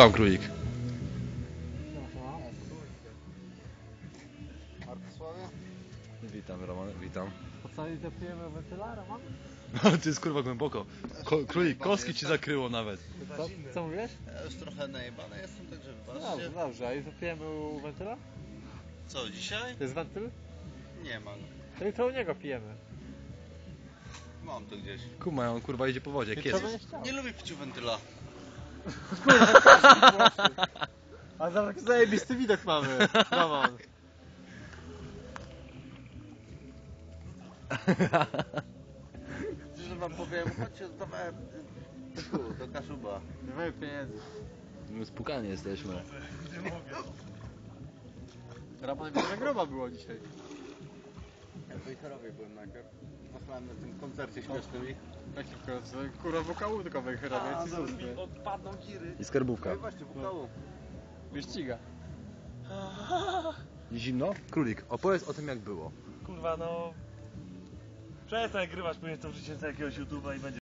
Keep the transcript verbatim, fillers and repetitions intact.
tam, królik? Witam, Roman, witam. Po co nie zapijemy wentyla, Roman? Ale to jest kurwa głęboko. Ko królik, kostki ci zakryło nawet. Co, co mówisz? Ja już trochę najebany jestem, także Dobrze, wybaczcie. dobrze. A i zapijemy u wentyla? Co, dzisiaj? To jest wentyl? Nie ma. To jutro u niego pijemy. Mam to gdzieś. Kuma, on kurwa idzie po wodzie, Jutro kiedy? będziesz chciał. Nie lubię pić u wentyla. A zobacz, jaki zajebisty widok mamy, Roman. Że wam powiem, chodźcie, dawałem tu, do Kaszuba. Nie mamy pieniędzy. My spukani jesteśmy. Roman mi na groba było dzisiaj. Ja w Wejherowie byłem najpierw. Posłałem na tym koncercie śmiesznym ich. Jakim końcu? Kurwa, wokału tylko wejherowie, ci służby. odpadną giry. I skarbówka. No i właśnie, wokalu. Wyściga. Zimno? Królik, opowiedz o tym jak było. Kurwa, no... Przestań nagrywać, później to wrzucicie z jakiegoś YouTube'a i będzie